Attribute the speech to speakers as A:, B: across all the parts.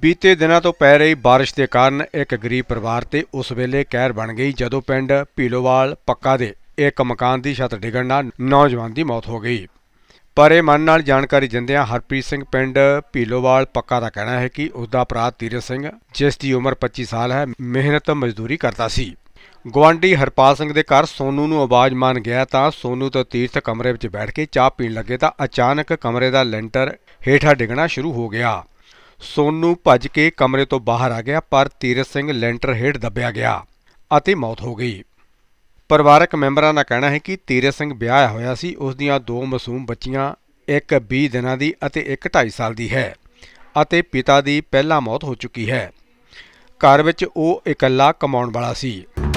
A: ਬੀਤੇ ਦਿਨਾਂ ਤੋਂ ਪੈ ਰਹੀ ਬਾਰਿਸ਼ ਦੇ ਕਾਰਨ ਇੱਕ ਗਰੀਬ ਪਰਿਵਾਰ ਤੇ ਉਸ ਵੇਲੇ ਕਹਿਰ ਬਣ ਗਈ ਜਦੋਂ ਪਿੰਡ ਭੀਲੋਵਾਲ ਪੱਕਾ ਦੇ ਇੱਕ ਮਕਾਨ ਦੀ ਛੱਤ ਡਿੱਗਣ ਨਾਲ ਨੌਜਵਾਨ ਦੀ ਮੌਤ ਹੋ ਗਈ। ਪਰ ਇਹ ਮਨ ਨਾਲ ਜਾਣਕਾਰੀ ਦਿੰਦਿਆਂ ਹਰਪ੍ਰੀਤ ਸਿੰਘ ਪਿੰਡ ਭੀਲੋਵਾਲ ਪੱਕਾ ਦਾ ਕਹਿਣਾ ਹੈ ਕਿ ਉਸ ਦਾ ਭਰਾ ਤੀਰਥ ਸਿੰਘ, ਜਿਸ ਦੀ ਉਮਰ 25 ਸਾਲ ਹੈ, ਮਿਹਨਤ ਮਜ਼ਦੂਰੀ ਕਰਦਾ ਸੀ। ਗੁਆਂਢੀ ਹਰਪਾਲ ਸਿੰਘ ਦੇ ਘਰ ਸੋਨੂ ਨੂੰ ਆਵਾਜ਼ ਮਾਰਨ ਗਿਆ ਤਾਂ ਸੋਨੂ ਤੇ ਤੀਰਥ ਕਮਰੇ ਵਿੱਚ ਬੈਠ ਕੇ ਚਾਹ ਪੀਣ ਲੱਗੇ ਤਾਂ ਅਚਾਨਕ ਕਮਰੇ ਦਾ ਲੈਂਟਰ ਹੇਠਾਂ ਡਿੱਗਣਾ ਸ਼ੁਰੂ ਹੋ ਗਿਆ। ਸੋਨੂ ਭੱਜ ਕੇ ਕਮਰੇ ਤੋਂ ਬਾਹਰ ਆ ਗਿਆ ਪਰ ਤੀਰਥ ਸਿੰਘ ਲੈਂਟਰ ਹੇਠ ਦੱਬਿਆ ਗਿਆ ਅਤੇ ਮੌਤ ਹੋ ਗਈ। ਪਰਿਵਾਰਕ ਮੈਂਬਰਾਂ ਦਾ ਕਹਿਣਾ ਹੈ ਕਿ ਤੀਰਥ ਸਿੰਘ ਵਿਆਹਿਆ ਹੋਇਆ ਸੀ। ਉਸ ਦੀਆਂ ਦੋ ਮਾਸੂਮ ਬੱਚੀਆਂ, ਇੱਕ 20 ਦਿਨਾਂ ਦੀ ਅਤੇ ਇੱਕ 2.5 ਸਾਲ ਦੀ ਹੈ ਅਤੇ ਪਿਤਾ ਦੀ ਪਹਿਲਾਂ ਮੌਤ ਹੋ ਚੁੱਕੀ ਹੈ। ਘਰ ਵਿੱਚ ਉਹ ਇਕੱਲਾ ਕਮਾਉਣ ਵਾਲਾ ਸੀ।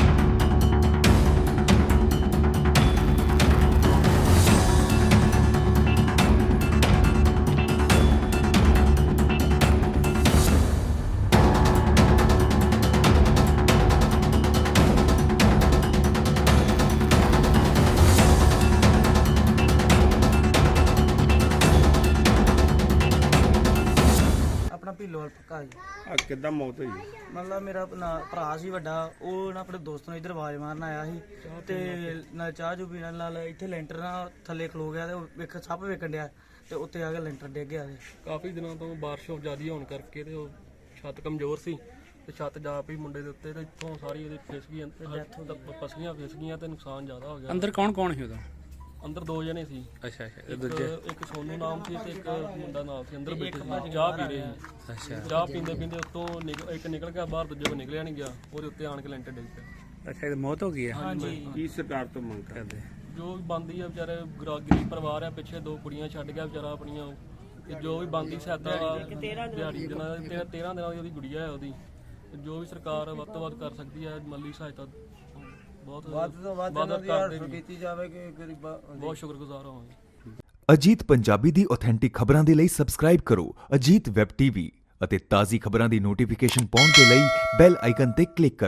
B: ਭੀਲੋਵਾਲ ਪੱਕਾ ਜੀ।
C: ਕਿੱਦਾਂ ਮੌਤ ਹੋਈ?
B: ਮਤਲਬ ਮੇਰਾ ਭਰਾ ਸੀ ਵੱਡਾ, ਉਹ ਨਾ ਆਪਣੇ ਦੋਸਤ ਨੂੰ ਇੱਧਰ ਆਵਾਜ਼ ਮਾਰਨ ਆਇਆ ਸੀ ਤੇ ਨਾਲ ਚਾਹ ਚੂ ਪੀਣ ਨਾਲ ਇੱਥੇ ਲੈਂਟਰ ਨਾਲ ਥੱਲੇ ਖਲੋ ਗਿਆ ਤੇ ਸੱਪ ਵੇਖਣ ਡਿਆ ਤੇ ਉੱਤੇ ਆ ਕੇ ਲੈਂਟਰ ਡਿੱਗ ਗਿਆ।
D: ਕਾਫੀ ਦਿਨਾਂ ਤੋਂ ਬਾਰਿਸ਼ ਜ਼ਿਆਦਾ ਹੋਣ ਕਰਕੇ ਤੇ ਉਹ ਛੱਤ ਕਮਜ਼ੋਰ ਸੀ ਤੇ ਛੱਤ ਜਾ ਪਈ ਮੁੰਡੇ ਦੇ ਉੱਤੇ ਤੇ ਇੱਥੋਂ ਸਾਰੀ ਇਹਦੇ ਫਿਸ ਗਈ, ਪਸਲੀਆਂ ਫਿਸ ਗਈਆਂ ਤੇ ਨੁਕਸਾਨ ਜ਼ਿਆਦਾ ਹੋ ਗਿਆ।
E: ਅੰਦਰ ਕੌਣ ਕੌਣ ਸੀ ਉਹਦਾ?
D: ਅੰਦਰ 2 ਜਣੇ ਸੀ।
E: ਅੱਛਾ ਅੱਛਾ।
D: ਇੱਕ ਸੋਨੂ ਨਾਮ ਸੀ ਤੇ ਇੱਕ ਮੁੰਡਾ ਨਾਮ ਸੀ। ਅੰਦਰ ਬੈਠੇ ਸੀ, ਚਾਹ ਪੀ ਰਹੇ ਸੀ।
E: ਅੱਛਾ
D: ਚਾਹ ਪੀਂਦੇ ਪੀਂਦੇ ਉੱਤੋਂ ਇੱਕ ਨਿਕਲ ਗਿਆ ਬਾਹਰ, ਦੂਜੇ ਕੋਲ ਨਿਕਲਿਆ ਨਹੀਂ ਗਿਆ, ਉਹਦੇ ਉੱਤੇ ਆਣ ਕੇ ਲੈਂਟਰ ਡਿੱਗ ਪਿਆ।
E: ਅੱਛਾ, ਇਹ ਮੌਤ ਹੋ ਗਈ ਹੈ।
B: ਹਾਂਜੀ।
C: ਕੀ ਸਰਕਾਰ ਤੋਂ ਮੰਗ ਕਰਦੇ?
D: ਜੋ ਵੀ ਬਣਦੀ ਆ, ਵਿਚਾਰੇ ਗਰੀਬ ਪਰਿਵਾਰ ਆ, ਪਿੱਛੇ 2 ਕੁੜੀਆਂ ਛੱਡ ਗਿਆ ਵਿਚਾਰਾ ਆਪਣੀਆਂ, ਤੇ ਜੋ ਵੀ ਬਣਦੀ ਸਹਾਇਤਾ ਦਿਹਾੜੀ ਦਿਨਾਂ 13 ਦਿਨਾਂ ਦੀ ਉਹਦੀ ਗੁੜੀਆ ਹੈ ਉਹਦੀ, ਜੋ ਵੀ ਸਰਕਾਰ ਵੱਧ ਤੋਂ ਵੱਧ ਕਰ ਸਕਦੀ ਹੈ ਮਾਲੀ ਸਹਾਇਤਾ ਬਹੁਤ ਵੱਧ ਤੋਂ ਵੱਧ ਕੀਤੀ ਜਾਵੇ ਕਿ ਗਰੀਬਾਂ ਬਹੁਤ ਸ਼ੁਕਰਗੁਜ਼ਾਰ ਹੋਵਾਂਗੇ।
F: ਅਜੀਤ ਪੰਜਾਬੀ ਦੀ ਆਥੈਂਟਿਕ ਖਬਰਾਂ ਦੇ ਲਈ ਸਬਸਕ੍ਰਾਈਬ ਕਰੋ ਅਜੀਤ ਵੈਬ ਟੀਵੀ ਅਤੇ ਤਾਜ਼ੀ ਖਬਰਾਂ ਦੀ ਨੋਟੀਫਿਕੇਸ਼ਨ ਪਾਉਣ ਦੇ ਲਈ ਬੈਲ ਆਈਕਨ ਤੇ ਕਲਿੱਕ ਕਰੋ।